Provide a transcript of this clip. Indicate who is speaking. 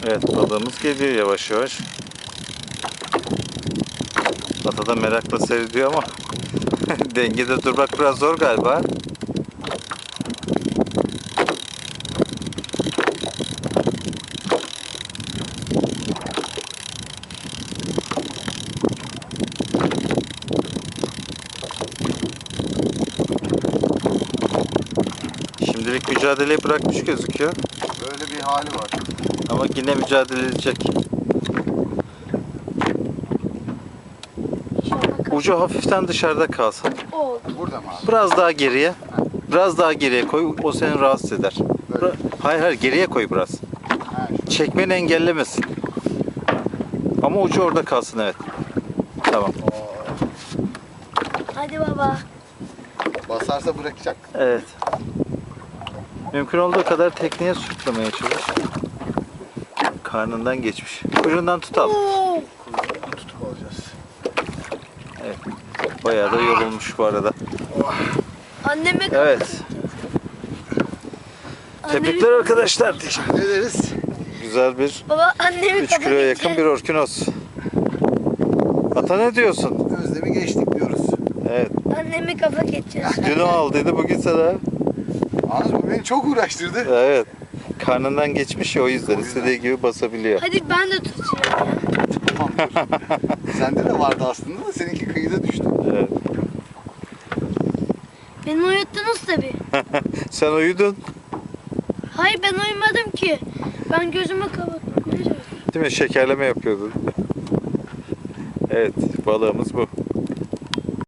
Speaker 1: Evet, balığımız geliyor yavaş yavaş. Ata da merakla seyrediyor ama dengede durmak biraz zor galiba. Şimdilik mücadeleyi bırakmış gözüküyor.
Speaker 2: Böyle bir hali var.
Speaker 1: Ama yine mücadele edecek. Ucu hafiften dışarıda kalsın.
Speaker 3: Oldu.
Speaker 2: Burada mı abi?
Speaker 1: Biraz daha geriye. Biraz daha geriye koy. O seni rahatsız eder.
Speaker 2: Böyle.
Speaker 1: Hayır hayır, geriye koy biraz.
Speaker 2: Ha,
Speaker 1: Çekmeni engellemesin. Ama ucu orada kalsın, evet. Tamam.
Speaker 3: Hadi baba.
Speaker 2: basarsa bırakacak.
Speaker 1: Evet. Mümkün olduğu kadar tekneye sürtlemeye çalış. Karnından geçmiş. Kuyruğundan tutalım.
Speaker 3: Oo.
Speaker 2: Kuyruğunu tutup alacağız.
Speaker 1: Evet. Bayağı da yorulmuş bu arada.
Speaker 3: Anneme
Speaker 1: Evet. Tebrikler arkadaşlar.
Speaker 2: Teşekkür ederiz.
Speaker 1: Güzel bir
Speaker 3: Baba annemi
Speaker 1: 3 kiloya yakın bir orkinos. Ata ne diyorsun?
Speaker 2: Özlemi geçtik diyoruz.
Speaker 1: Evet.
Speaker 3: Annemi kafa geçeceğiz.
Speaker 1: Dün o aldıydı, bugün sana.
Speaker 2: Yalnız bu beni çok uğraştırdı.
Speaker 1: Evet. Karnından geçmiş ya, o yüzden
Speaker 2: O yüzden.
Speaker 1: istediği gibi basabiliyor.
Speaker 3: Hadi ben de tutacağım ya.
Speaker 2: Tamam. Sende de vardı aslında da seninki kıyıda düştü.
Speaker 1: Evet.
Speaker 3: Beni uyuttunuz tabii.
Speaker 1: Sen uyudun.
Speaker 3: Hayır ben uyumadım ki. Ben gözümü kapattım.
Speaker 1: Değil mi? Şekerleme yapıyordun. Evet, balığımız bu.